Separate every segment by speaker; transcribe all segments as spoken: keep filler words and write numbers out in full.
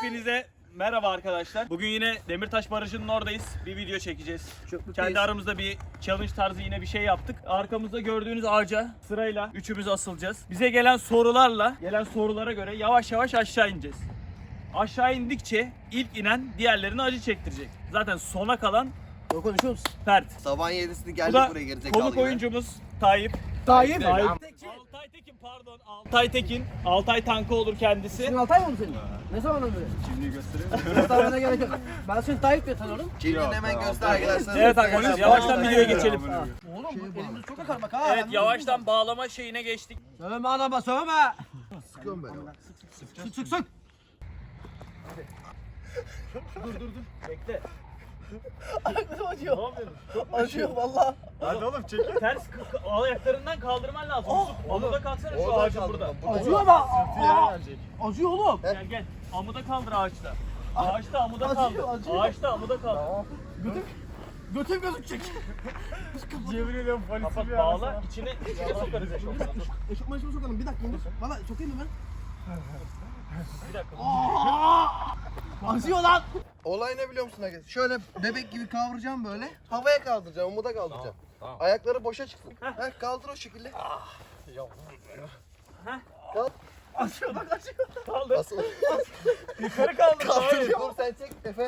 Speaker 1: Hepinize merhaba arkadaşlar. Bugün yine Demirtaş Barajı'nın oradayız. Bir video çekeceğiz. Kendi aramızda bir challenge tarzı yine bir şey yaptık. Arkamızda gördüğünüz ağaca sırayla üçümüz asılacağız. Bize gelen sorularla, gelen sorulara göre yavaş yavaş aşağı ineceğiz. Aşağı indikçe ilk inen diğerlerine acı çektirecek. Zaten sona kalan
Speaker 2: Konuşuyor musun?
Speaker 1: Fert.
Speaker 3: Sabahın yedisinde
Speaker 1: Bu
Speaker 3: geldik
Speaker 1: da
Speaker 3: buraya gerizekalı
Speaker 1: konuk
Speaker 3: gibi.
Speaker 1: oyuncumuz Tayyip.
Speaker 2: Tayyip.
Speaker 1: Tayyip. Altay Tekin pardon. Altay Tekin. Altay Tankı olur kendisi.
Speaker 2: Senin Altay mı oldu senin? Ne zamandan beri?
Speaker 1: Kimliği göstereyim mi?
Speaker 2: Göstermene gerek yok. Ben seni Tayyip diye tanıyorum.
Speaker 3: Kimliğini hemen göster arkadaşlar.
Speaker 1: Evet arkadaşlar yavaştan videoya geçelim.
Speaker 2: Oğlum bu elimiz çok akar bak ha.
Speaker 1: Evet yavaştan bağlama şeyine geçtik.
Speaker 2: Sövme anama sövme.
Speaker 3: Sıkıyorum böyle.
Speaker 2: Sık sık sık.
Speaker 1: Bekle.
Speaker 2: Ayaklarım acıyor.
Speaker 1: Ne yapıyorsun?
Speaker 2: Acıyor valla.
Speaker 1: Hadi oğlum çekil. Ters k- k- ayaklarından kaldırman lazım. Yusuf, amuda kalksana şu
Speaker 3: Oradan
Speaker 1: ağacın
Speaker 3: kaldır,
Speaker 1: burada.
Speaker 3: burada.
Speaker 2: Acıyor ama. Aa, acıyor oğlum.
Speaker 1: Gel gel. Amuda kaldır ağaçta. Ağaçta amuda
Speaker 2: Acıyor,
Speaker 1: kaldır.
Speaker 2: acıyor.
Speaker 1: Ağaçta amuda kaldır.
Speaker 2: Götüm, götüm gözükecek.
Speaker 1: Yemin ediyorum polisim Kapat, ya. Bağla içine, içine sokarız eşofmanı.
Speaker 2: Eşofmanı şimdi sokalım bir dakika. Valla sokayım mı ben?
Speaker 1: Bir dakika.
Speaker 2: Acıyor lan.
Speaker 3: Olay ne biliyor musun arkadaşlar? Şöyle bebek gibi kavuracağım böyle. Havaya kaldıracağım, umuda kaldıracağım.
Speaker 1: Tamam, tamam.
Speaker 3: Ayakları boşa çıksın. Heh, kaldır o şekilde. Kaldır.
Speaker 2: Acıyor bak acıyor.
Speaker 1: Kaldır.
Speaker 3: Asıl.
Speaker 1: Yukarı kaldır.
Speaker 3: Kaldır.
Speaker 1: Hayır.
Speaker 3: Dur sen çek Efe.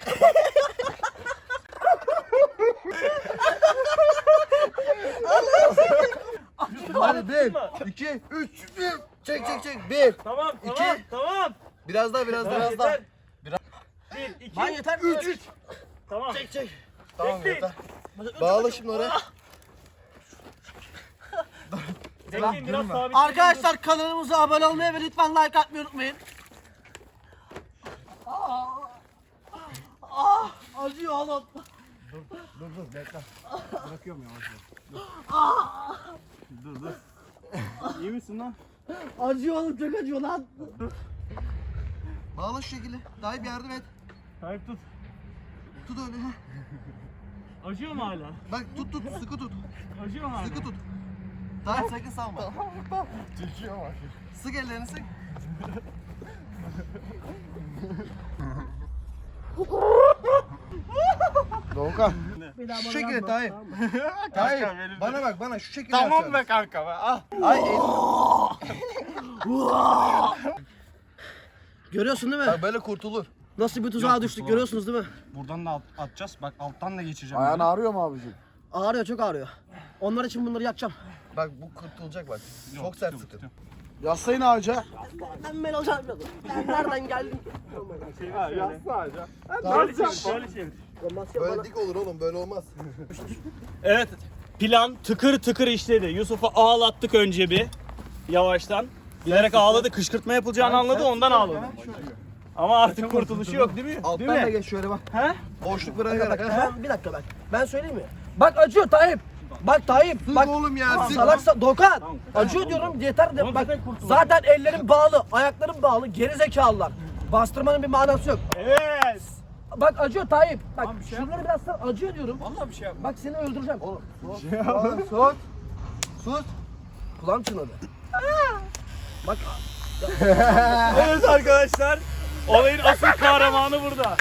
Speaker 3: Hadi bir, iki, üç, bir. Çek çek çek. Bir.
Speaker 1: Tamam
Speaker 3: İki.
Speaker 1: tamam tamam.
Speaker 3: Biraz daha biraz daha.
Speaker 1: Tamam,
Speaker 3: Biraz daha.
Speaker 1: yeter. Bir, iki,
Speaker 2: Lan yeter.
Speaker 1: üç, üç. Tamam.
Speaker 3: Çek çek. Tamam
Speaker 1: Bekleyin.
Speaker 3: yeter. Bağla şimdi oraya.
Speaker 1: Bekleyin biraz sabit.
Speaker 2: Arkadaşlar kanalımıza abone olmayı ve lütfen like atmayı unutmayın. Aa, ah, acıyor oğlum.
Speaker 3: Dur dur bekle. Bırakıyorum yavaş yavaş.
Speaker 1: İyi misin lan?
Speaker 2: Acıyor oğlum çok acıyor lan.
Speaker 3: Bağla şu şekilde. Daha bir yardım et.
Speaker 1: Tayyip tut.
Speaker 3: Tut öyle. heh.
Speaker 1: Acıyor mu hala?
Speaker 3: Bak tut tut sıkı tut.
Speaker 1: Acıyor mu hala?
Speaker 3: Sıkı tut. Daha sakın salma. Çekiyor bak. Sık ellerini sık. Doğukan. Şu şekilde Tayyip. Tayyip bana bak bana şu şekilde
Speaker 1: Tamam be
Speaker 3: yapacaksın.
Speaker 1: kanka be. Ah.
Speaker 3: Ay el.
Speaker 2: Görüyorsun değil mi?
Speaker 3: Bak böyle kurtulur.
Speaker 2: Nasıl bir tuzağa düştük görüyorsunuz değil mi?
Speaker 4: Buradan da at- atacağız. Bak alttan da geçeceğim.
Speaker 3: Ayağın ağrıyor mu abicim?
Speaker 2: Ağrıyor çok ağrıyor. Onlar için bunları yakacağım.
Speaker 3: Bak bu kurtulacak bak. Çok sert sıkın.
Speaker 4: Yaslayın ağaca.
Speaker 2: Ben ben alacağım. Ben nereden geldim?
Speaker 1: Şöyle çevir, şöyle çevir.
Speaker 3: Böyle dik olur oğlum böyle olmaz.
Speaker 1: Evet, plan tıkır tıkır işledi. Yusuf'u ağlattık önce bir yavaştan. Bilerek ağladı, kışkırtma yapılacağını anladı, ondan ağladı. Ama artık kurtuluşu yok değil mi?
Speaker 3: Alttan
Speaker 1: Değil
Speaker 3: da
Speaker 1: mi?
Speaker 3: geç şöyle bak.
Speaker 1: He?
Speaker 3: Boşluk
Speaker 2: Bak,
Speaker 3: bırakarak.
Speaker 2: bak,
Speaker 3: ha.
Speaker 2: ben, bir dakika bak. Ben söyleyeyim mi? Bak acıyor Tayyip. Bak Tayyip.
Speaker 3: Sık
Speaker 2: Bak
Speaker 3: oğlum ya sık.
Speaker 2: salaksa Dokan. Acıyor diyorum yeter de
Speaker 1: Oğlum
Speaker 2: bak.
Speaker 1: zaten kurtulduk.
Speaker 2: Zaten ellerim bağlı, ayaklarım bağlı. Geri zekalılar. Bastırmanın bir manası yok.
Speaker 1: Evet.
Speaker 2: Bak acıyor Tayyip. Bak
Speaker 1: Tamam, bir şey
Speaker 2: şunları biraz sar, acıyor diyorum.
Speaker 1: Vallahi bir şey yapma.
Speaker 2: Bak seni öldüreceğim.
Speaker 3: Oğlum sus. Sus. Sus.
Speaker 2: Kulağım çınladı. Bak
Speaker 1: Evet arkadaşlar, olayın asıl kahramanı burada.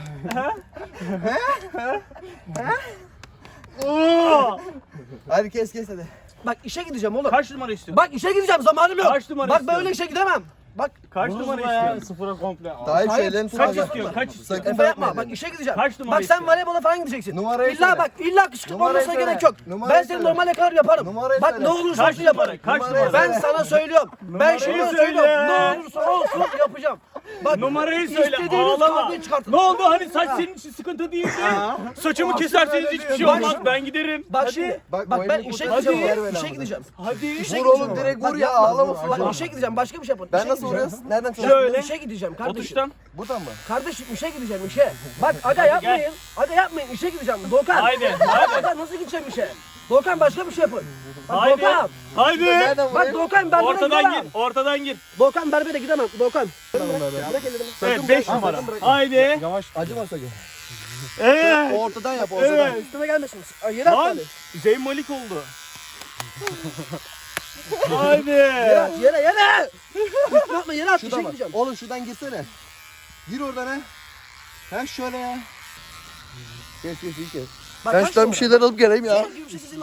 Speaker 1: Oo!
Speaker 3: Hadi kes kes hadi.
Speaker 2: bak işe gideceğim oğlum.
Speaker 1: Kaç numara istiyorsun?
Speaker 2: Bak işe gideceğim zamanım yok.
Speaker 1: Kaç numara
Speaker 2: Bak
Speaker 1: istiyorsun?
Speaker 2: böyle işe gidemem. Bak
Speaker 1: Kaç numara istiyorsun?
Speaker 4: Sıfıra komple.
Speaker 3: Tayyip
Speaker 2: Hayır,
Speaker 3: şeylerini
Speaker 1: Kaç
Speaker 3: tutacak.
Speaker 1: istiyorsun? Kaç istiyorsun?
Speaker 3: Sakın
Speaker 2: Efe yapma.
Speaker 3: bırakma
Speaker 2: Bak
Speaker 3: elini.
Speaker 2: işe gideceğim.
Speaker 1: Kaç numara
Speaker 2: Bak sen
Speaker 1: istiyorsun?
Speaker 2: voleybola falan gideceksin.
Speaker 3: Numarayı
Speaker 2: illa
Speaker 3: söyle.
Speaker 2: bak illa kışkırtma
Speaker 3: Numarayı
Speaker 2: olmasına
Speaker 3: söyle.
Speaker 2: gerek yok.
Speaker 3: Numarayı
Speaker 2: Ben seni
Speaker 3: söyle.
Speaker 2: normal yakalar yaparım.
Speaker 3: Numarayı
Speaker 2: Bak
Speaker 3: söyle.
Speaker 2: ne olursa
Speaker 1: Kaç
Speaker 2: olsun
Speaker 1: numara?
Speaker 2: yaparım.
Speaker 1: Kaç
Speaker 3: Numarayı
Speaker 1: numara?
Speaker 2: Ben sana söylüyorum. Ben
Speaker 1: Numarayı
Speaker 2: şunu
Speaker 1: söyle.
Speaker 2: söylüyorum. Ne olursa olsun yapacağım. Bak
Speaker 1: Numarayı söyle,
Speaker 2: istediğiniz
Speaker 1: ağlama.
Speaker 2: kavgayı çıkartın.
Speaker 1: Ne oldu hani saç senin için sıkıntı değil mi? Saçımı keserseniz hiçbir şey
Speaker 2: Bak
Speaker 1: olmaz,
Speaker 2: şimdi.
Speaker 1: ben giderim.
Speaker 2: Bak
Speaker 1: Hadi.
Speaker 2: şimdi.
Speaker 3: Bak,
Speaker 2: Bak
Speaker 3: bu
Speaker 2: ben
Speaker 3: elini
Speaker 2: işe
Speaker 3: kurtar,
Speaker 2: gideceğim.
Speaker 3: ver ver
Speaker 2: İşe
Speaker 3: abi.
Speaker 2: gideceğim.
Speaker 1: Hadi.
Speaker 2: İşe
Speaker 3: Vur oğlum
Speaker 2: gideceğim.
Speaker 3: direkt
Speaker 2: Bak
Speaker 3: vur ya
Speaker 2: yapma.
Speaker 3: ağlamasın.
Speaker 2: Bak işe gideceğim. Başka bir şey yapın.
Speaker 3: Ben
Speaker 2: İşe
Speaker 3: nasıl
Speaker 2: gideceğim.
Speaker 3: vuruyorsun? Nereden
Speaker 2: Bak,
Speaker 3: çalışıyorsun?
Speaker 1: Şöyle.
Speaker 2: İşe gideceğim kardeşim.
Speaker 1: Otuştan.
Speaker 3: Buradan mı?
Speaker 2: Kardeşim işe gideceğim işe. Bak aga yapmayın. Aga yapmayın işe gideceğim. Dokan.
Speaker 1: Haydi,
Speaker 2: Bak,
Speaker 1: haydi.
Speaker 2: Aga nasıl gideceğim işe? Dokan başka bir şey yapın. Bak
Speaker 1: Haydi.
Speaker 2: Dokan.
Speaker 1: Haydi.
Speaker 3: Nereden
Speaker 2: Bak
Speaker 3: vurayım?
Speaker 2: Dokan berbere
Speaker 1: Ortadan
Speaker 2: gidemem.
Speaker 1: gir, ortadan gir.
Speaker 2: Dokan berbere gidemem. Dokan. Bırak ellerimi.
Speaker 1: Evet, beş numara. Haydi.
Speaker 4: Yavaş.
Speaker 3: Acıma sakın.
Speaker 1: Evet.
Speaker 3: Ortadan yap ortadan.
Speaker 1: Evet.
Speaker 2: Üstüme gelmesin. Ay, yere at
Speaker 1: Lan.
Speaker 2: beni.
Speaker 1: Zeyn Malik oldu. Haydi.
Speaker 2: Yere at yere yere. Üstüme atma yere at. İşe
Speaker 3: Şuradan bak.
Speaker 2: gideceğim.
Speaker 3: Oğlum şuradan girsene. Gir oradan ha. Ha şöyle ya. Kes kes iyi kes.
Speaker 2: Bak,
Speaker 3: Ben
Speaker 2: kaç
Speaker 3: şuradan
Speaker 2: numara?
Speaker 3: bir şeyler alıp geleyim ya.
Speaker 2: Senin gibi sizin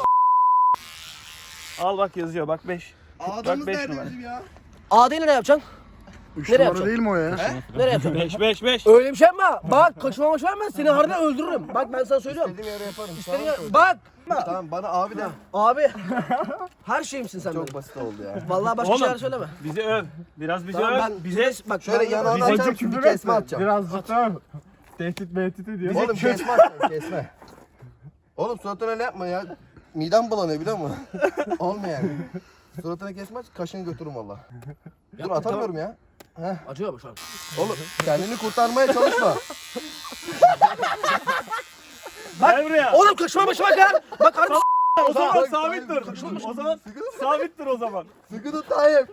Speaker 1: Al bak yazıyor bak beş.
Speaker 3: Adamımız
Speaker 1: beş
Speaker 3: nerede
Speaker 1: numara.
Speaker 3: bizim ya?
Speaker 2: A'dayı nereye yapacaksın?
Speaker 4: Üç
Speaker 2: Nereye
Speaker 4: numara
Speaker 2: yapacaksın?
Speaker 4: değil mi o ya?
Speaker 2: Nereye yapacaksın?
Speaker 1: beş beş beş.
Speaker 2: Öyle bir şey yapma. Bak kaçma maç verme seni harbiden öldürürüm. Bak ben sana söylüyorum.
Speaker 3: İstediğim yere yaparım.
Speaker 2: İstediğin
Speaker 3: Tamam,
Speaker 2: yer- Bak.
Speaker 3: Tamam bana abi de.
Speaker 2: Abi. Her şeyimsin sen
Speaker 3: Çok
Speaker 2: benim.
Speaker 3: basit oldu ya.
Speaker 2: Vallahi başka
Speaker 1: Oğlum.
Speaker 2: şeyler söyleme.
Speaker 1: Bizi öv. Biraz bizi
Speaker 2: Tamam
Speaker 1: öv.
Speaker 2: ben
Speaker 1: Bize
Speaker 2: bak
Speaker 3: Şöyle
Speaker 2: ben-
Speaker 3: yanağını
Speaker 1: Bize
Speaker 3: açarım bir kesme atacağım.
Speaker 4: Birazcık daha tehdit mehdit ediyor.
Speaker 3: Oğlum kesme atacağım kesme. Oğlum suratına öyle yapma ya. Midem bulanıyor biliyor musun? Olmuyor yani. Suratına kesme aç kaşını götürürüm valla. Dur atamıyorum ya. Heh.
Speaker 2: Acıyor mu şu an?
Speaker 3: Oğlum kendini kurtarmaya çalışma.
Speaker 1: gel buraya.
Speaker 2: Oğlum kaçma başıma gel. Bak harbi
Speaker 1: O zaman
Speaker 3: Bak,
Speaker 1: sabit dur. O zaman sabit dur o zaman.
Speaker 3: Sıkı tut Tayyip.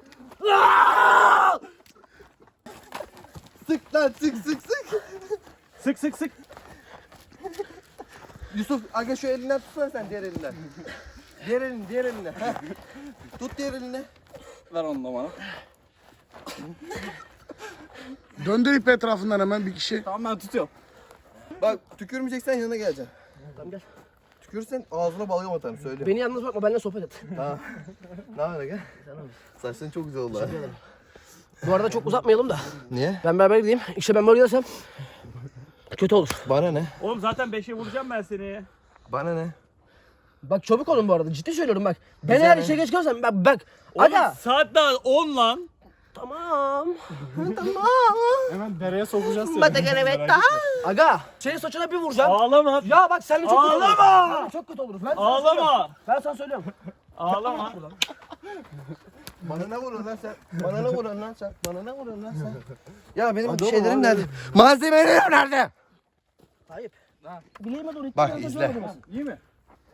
Speaker 3: Sık lan sık sık sık.
Speaker 1: Sık sık sık.
Speaker 3: Yusuf aga şu elinden tutsana sen diğer elinden. Diğer elini diğer eline. Heh. Tut diğer eline.
Speaker 1: Ver onu da bana.
Speaker 4: Döndür ip etrafından hemen bir kişi.
Speaker 1: Tamam ben tutuyorum.
Speaker 3: Bak tükürmeyeceksen yanına geleceğim.
Speaker 2: Tamam gel.
Speaker 3: Tükürürsen ağzına balgam atarım söyle.
Speaker 2: Beni yalnız bırakma benimle sohbet et.
Speaker 3: Tamam. Ne haber aga? Saçların çok güzel oldu ha.
Speaker 2: Bu arada çok uzatmayalım da.
Speaker 3: Niye?
Speaker 2: Ben beraber gideyim. İşte ben böyle gidersem kötü olur.
Speaker 3: Bana ne?
Speaker 1: Oğlum zaten beşe vuracağım ben seni.
Speaker 3: Bana ne?
Speaker 2: Bak çabuk olun bu arada. Ciddi söylüyorum bak. Ben
Speaker 3: Güzel
Speaker 2: eğer
Speaker 3: mi?
Speaker 2: işe geç kalırsam bak bak.
Speaker 1: Oğlum
Speaker 2: Aga.
Speaker 1: saat daha on lan.
Speaker 2: Tamam. tamam.
Speaker 4: Hemen dereye sokacağız seni.
Speaker 2: Aga. Senin saçına bir vuracağım.
Speaker 1: Ağlama.
Speaker 2: Ya bak seninle çok kötü oluruz.
Speaker 1: Ağlama!
Speaker 2: Seninle çok kötü oluruz. Ben sana
Speaker 1: Ağlama.
Speaker 2: söylüyorum. Ben sana söylüyorum.
Speaker 1: Ağlama.
Speaker 3: Bana ne vuruyorsun lan sen? Bana ne vuruyorsun lan sen? Bana ne vuruyorsun lan sen? Ya benim
Speaker 2: Hadi
Speaker 3: şeylerim
Speaker 2: oğlum,
Speaker 3: nerede? Malzemelerim nerede?
Speaker 2: Hayır. Bileğime doğru.
Speaker 3: Bak,
Speaker 2: İki
Speaker 3: izle.
Speaker 2: tane taşı
Speaker 1: İyi mi?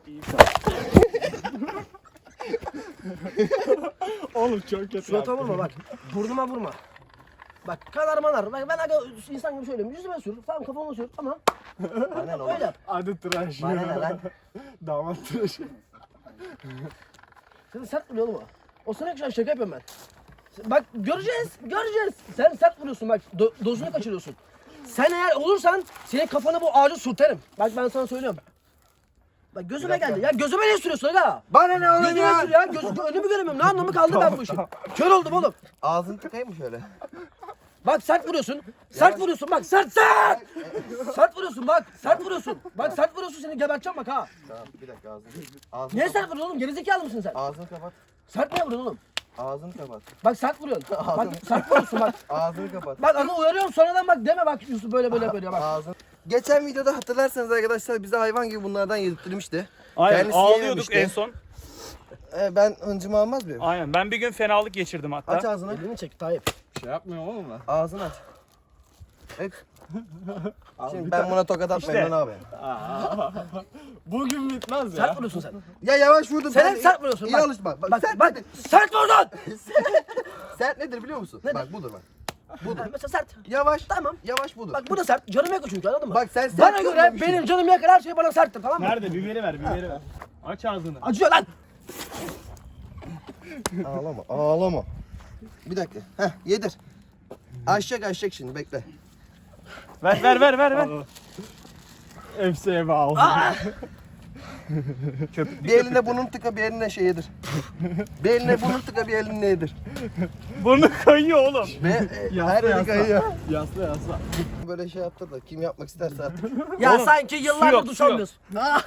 Speaker 4: Oğlum çok kötü.
Speaker 2: Suratıma vurma bak. Burnuma vurma. Bak kanar manar. Bak ben aga insan gibi söylüyorum. Yüzüme sür. Tamam kafama sür. Tamam.
Speaker 3: Bana ne oğlum?
Speaker 2: Öyle yap.
Speaker 4: Hadi tıraş.
Speaker 3: Bana ne lan?
Speaker 4: Damat tıraşı.
Speaker 2: Sen sert vuruyor oğlum o. O sana yakışan şaka yapıyorum ben. Bak göreceğiz. Göreceğiz. Sen sert vuruyorsun bak. Do dozunu kaçırıyorsun. Sen eğer olursan senin kafana bu ağacı sürterim. Bak ben sana söylüyorum. Bak gözüme geldi. Ya gözüme ne sürüyorsun aga?
Speaker 3: Bana ne oğlum
Speaker 2: Gözüme
Speaker 3: ya?
Speaker 2: sür ya. Göz, önümü göremiyorum. Ne anlamı kaldı ben bu işin? Kör oldum oğlum.
Speaker 3: Ağzını tıkayım mı şöyle?
Speaker 2: Bak sert vuruyorsun. Sert vuruyorsun bak sert sert. Sert vuruyorsun bak. Sert vuruyorsun. Bak sert vuruyorsun seni geberteceğim bak ha.
Speaker 3: Tamam bir dakika ağzını. Ağzını
Speaker 2: Niye
Speaker 3: kapat.
Speaker 2: sert vuruyorsun oğlum? Gerizekalı mısın sen?
Speaker 3: Ağzını kapat.
Speaker 2: Sert niye vuruyorsun oğlum?
Speaker 3: Ağzını kapat.
Speaker 2: Bak sert vuruyorsun. Bak sert vuruyorsun bak.
Speaker 3: Ağzını kapat.
Speaker 2: Bak aga uyarıyorum sonradan bak deme bak Yusuf böyle böyle böyle bak.
Speaker 3: Ağzını. Geçen videoda hatırlarsanız arkadaşlar bize hayvan gibi bunlardan yedirttirmişti.
Speaker 1: Aynen
Speaker 3: Kendisi
Speaker 1: ağlıyorduk
Speaker 3: yememişti.
Speaker 1: en son.
Speaker 3: Ee, ben hıncımı almaz mıyım?
Speaker 1: Aynen ben bir gün fenalık geçirdim hatta.
Speaker 3: Aç ağzını.
Speaker 2: Elini çek Tayyip.
Speaker 4: Şey yapmıyor oğlum lan.
Speaker 3: Ağzını aç. Evet. Şimdi ben buna tokat atmayayım
Speaker 1: İşte.
Speaker 3: lan abi.
Speaker 4: Bugün bitmez
Speaker 2: Sert
Speaker 4: ya.
Speaker 2: vuruyorsun sen.
Speaker 3: Ya yavaş vurdum.
Speaker 2: Sen
Speaker 3: ben-
Speaker 2: hep sert vuruyorsun
Speaker 3: İyi
Speaker 2: bak.
Speaker 3: alışma. Bak,
Speaker 2: Bak
Speaker 3: sert
Speaker 2: bak
Speaker 3: nedir?
Speaker 2: sert vurdun.
Speaker 3: Sert nedir biliyor musun?
Speaker 2: Nedir?
Speaker 3: Bak budur bak. Budur.
Speaker 2: Ha, mesela sert.
Speaker 3: Yavaş.
Speaker 2: Tamam.
Speaker 3: Yavaş budur.
Speaker 2: Bak bu da sert. Canımı yakıyor çünkü anladın mı?
Speaker 3: Bak sen sert
Speaker 2: Bana göre
Speaker 3: görmemişsin.
Speaker 2: benim canımı yakar her şey bana serttir tamam mı?
Speaker 1: Nerede? Biberi ver, biberi ver. Aç ağzını.
Speaker 2: Acıyor lan.
Speaker 3: Ağlama, ağlama. Bir dakika. Heh, yedir. Aşacak aşacak şimdi bekle.
Speaker 1: Ver ver ver ver ver.
Speaker 4: Hepsi eve aldı.
Speaker 3: Bir eline bunun tıka bir eline şey yedir. Bir eline bunun tıka bir eline yedir.
Speaker 1: Burnu kayıyor oğlum.
Speaker 3: Ve e, her eli kayıyor.
Speaker 4: Yasla yasla.
Speaker 3: Böyle şey yaptı da kim yapmak isterse artık.
Speaker 2: Ya
Speaker 1: Oğlum,
Speaker 2: sanki
Speaker 1: su
Speaker 2: yıllardır
Speaker 1: yok,
Speaker 2: duş
Speaker 1: su yok.
Speaker 2: almıyorsun. Ah.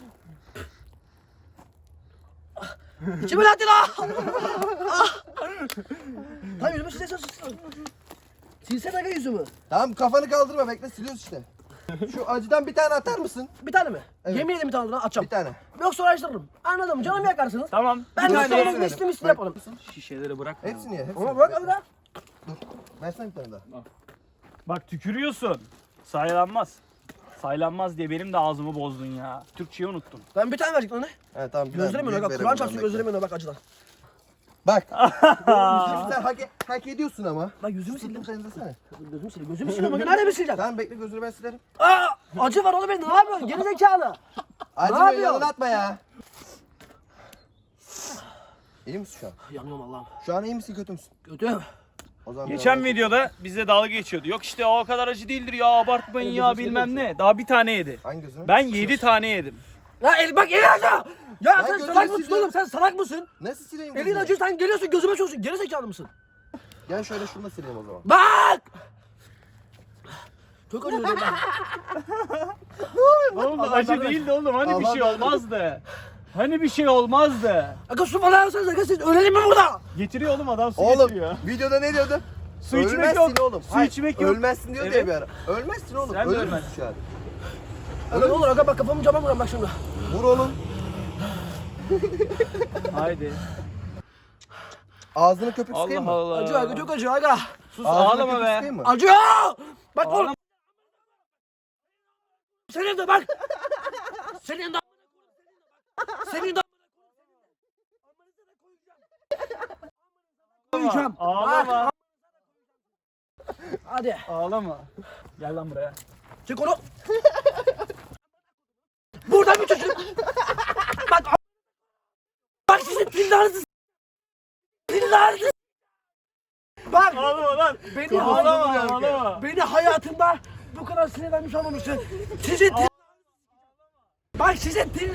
Speaker 2: İçime lattı la. Ah. Tamam yüzümü silsene. Silsene aga yüzümü.
Speaker 3: Tamam kafanı kaldırma bekle siliyoruz işte. Şu acıdan bir tane atar mısın?
Speaker 2: Bir tane mi?
Speaker 3: Evet.
Speaker 2: Yemin ederim bir tane daha atacağım.
Speaker 3: Bir tane.
Speaker 2: Yoksa uğraştırırım. Anladın mı? Canımı yakarsınız.
Speaker 1: Tamam.
Speaker 2: Ben
Speaker 3: Bir
Speaker 2: de
Speaker 3: tane
Speaker 2: sonra
Speaker 3: hepsini
Speaker 2: misli misli
Speaker 3: verin.
Speaker 2: yaparım.
Speaker 1: Şişeleri bırak.
Speaker 3: Hepsini ye. Hepsini.
Speaker 2: Ama bırak abi da.
Speaker 3: Versene bir tane daha.
Speaker 1: Bak tükürüyorsun. Saylanmaz. Saylanmaz diye benim de ağzımı bozdun ya. Türkçeyi unuttun.
Speaker 2: Ben bir tane verecektim ona.
Speaker 3: He tamam. bir tane
Speaker 2: Gözlerim
Speaker 3: büyük
Speaker 2: önüne bak.
Speaker 3: verelim
Speaker 2: Kur'an
Speaker 3: buradan,
Speaker 2: çarpsın
Speaker 3: bekle.
Speaker 2: gözlerim önüne bak acıdan.
Speaker 3: Bak. Sen hak, e- hak ediyorsun ama.
Speaker 2: Bak yüzümü sildim.
Speaker 3: Sildim sen de.
Speaker 2: Gözümü sildim. Gözümü sildim. Bak nerede mi sileceğim?
Speaker 3: Tamam bekle gözünü ben silerim.
Speaker 2: Aa, acı var oğlum benim. Ne yapıyorsun? Geri zekalı.
Speaker 3: Acımıyor
Speaker 2: yapıyorsun?
Speaker 3: yalan atma ya. İyi misin şu an?
Speaker 2: Yanıyorum Allah'ım.
Speaker 3: Şu an iyi misin kötü müsün?
Speaker 2: Kötü.
Speaker 3: O zaman
Speaker 1: Geçen
Speaker 3: biraz-
Speaker 1: videoda bize dalga geçiyordu. Yok işte o kadar acı değildir ya, abartmayın
Speaker 2: Evet,
Speaker 1: ya
Speaker 2: gözünü
Speaker 1: bilmem
Speaker 2: seveyim.
Speaker 1: ne. Daha bir tane yedi.
Speaker 3: Hangi gözünü?
Speaker 1: Ben yedi tane yedim.
Speaker 2: Ya el bak eli acı. Ya
Speaker 3: Ben
Speaker 2: sen
Speaker 3: gözümü
Speaker 2: salak mısın
Speaker 3: siliyorum.
Speaker 2: oğlum? Sen salak mısın?
Speaker 3: Nasıl sileyim
Speaker 2: Elin
Speaker 3: gözünü?
Speaker 2: acı, sen geliyorsun gözüme çalışıyorsun. Geri zekalı mısın?
Speaker 3: Gel şöyle şunu da sileyim o zaman.
Speaker 2: Bak! Çok acıyor benim ben.
Speaker 1: Oğlum
Speaker 2: Allah
Speaker 1: acı
Speaker 2: Allah.
Speaker 1: değildi oğlum, hani bir
Speaker 3: Allah
Speaker 1: şey
Speaker 3: Allah.
Speaker 1: olmazdı. Hani bir şey olmazdı.
Speaker 2: Aga su falan alsanız aga, siz ölelim mi burada?
Speaker 1: Getiriyor oğlum, adam su
Speaker 3: Oğlum
Speaker 1: getiriyor.
Speaker 3: videoda ne diyordu?
Speaker 1: Su içmek
Speaker 3: Ölmezsin
Speaker 1: yok.
Speaker 3: oğlum.
Speaker 1: Su
Speaker 3: Hayır,
Speaker 1: içmek yok.
Speaker 3: Ölmezsin diyor
Speaker 1: Evet.
Speaker 3: diye bir ara. Ölmezsin oğlum.
Speaker 1: Sen de
Speaker 3: Ölürsün
Speaker 1: ölmezsin.
Speaker 3: şu an.
Speaker 2: Aga ne olur aga, bak kafamı cama vuran bak şimdi.
Speaker 3: Vur oğlum.
Speaker 1: Haydi.
Speaker 3: Ağzını köpük sıkayım
Speaker 1: Allah
Speaker 3: mı?
Speaker 1: Allah.
Speaker 2: Acıyor aga, çok acıyor aga.
Speaker 1: Sus,
Speaker 3: Ağzını
Speaker 1: ağlama
Speaker 3: köpük
Speaker 1: be.
Speaker 3: sıkayım mı?
Speaker 2: Acıyor! Bak
Speaker 1: Ağlama.
Speaker 2: oğlum. Senin de bak. Senin de. Senin de. Koyacağım.
Speaker 1: Ağlama.
Speaker 2: Hadi.
Speaker 1: Ağlama. Gel lan buraya.
Speaker 2: Çek onu. Buradan bir çocuk. Bak. Bak sizin pillarınızı. Pillarınızı. Bak.
Speaker 1: Ağlama lan.
Speaker 2: Beni,
Speaker 1: Ağlama,
Speaker 2: hay-
Speaker 1: ağlama.
Speaker 2: beni hayatımda bu kadar sinirlenmiş olmamıştı. Sizin til... Bak sizin til...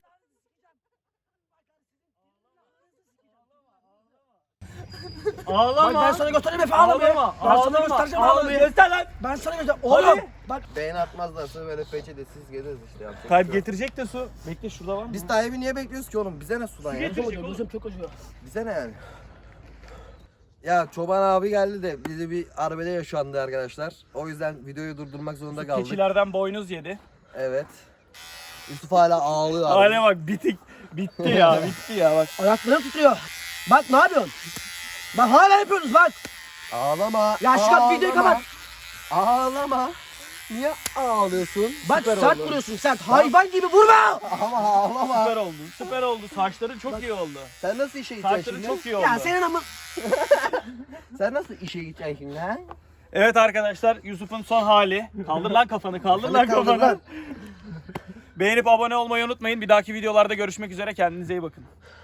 Speaker 1: Ağlama.
Speaker 2: Bak ben sana göstereyim Efe ağlamayı.
Speaker 1: Ağlama.
Speaker 2: Ben sana
Speaker 1: Ağlama.
Speaker 2: göstereceğim
Speaker 1: Ağlama.
Speaker 2: ağlamayı.
Speaker 1: Göster lan.
Speaker 2: Ben sana göstereceğim. Oğlum. Bak.
Speaker 3: Beğeni atmazlarsa böyle peçetesiz gezeriz işte. yapacak bir
Speaker 1: Tayyip
Speaker 3: şey yok.
Speaker 1: getirecek de su. Bekle, şurada var mı?
Speaker 3: Biz Tayyip'i niye bekliyoruz ki oğlum? Bize ne sudan ya?
Speaker 1: getir.
Speaker 2: Çok acıyor, gözüm çok acıyor.
Speaker 3: Bize ne yani? Ya Çoban abi geldi de bizi bir arbede yaşandı arkadaşlar. O yüzden videoyu durdurmak zorunda kaldık.
Speaker 1: Keçilerden boynuz yedi.
Speaker 3: Evet. Yusuf hala ağlıyor abi.
Speaker 1: Hale bak, bitik. Bitti ya, bitti ya bak.
Speaker 2: Ayaklarım titriyor. Bak ne yapıyorsun? Bak hala yapıyorsunuz bak.
Speaker 3: Ağlama.
Speaker 2: Ya şu
Speaker 3: ağlama,
Speaker 2: videoyu kapat.
Speaker 3: Ağlama. Niye ağlıyorsun?
Speaker 2: Bak
Speaker 3: Süper
Speaker 2: sert
Speaker 3: oldu.
Speaker 2: vuruyorsun sert. Hayvan gibi vurma.
Speaker 3: Ama ağlama.
Speaker 1: Süper oldu, süper oldu. Saçların çok iyi oldu.
Speaker 3: Sen nasıl işe gideceksin
Speaker 1: Saçların
Speaker 3: şimdi?
Speaker 1: çok iyi oldu.
Speaker 2: Ya senin ama.
Speaker 3: Sen nasıl işe gideceksin şimdi ha?
Speaker 1: Evet arkadaşlar, Yusuf'un son hali. Kaldır lan kafanı, kaldır lan
Speaker 3: Kaldır
Speaker 1: kafanı.
Speaker 3: lan.
Speaker 1: Beğenip abone olmayı unutmayın. Bir dahaki videolarda görüşmek üzere. Kendinize iyi bakın.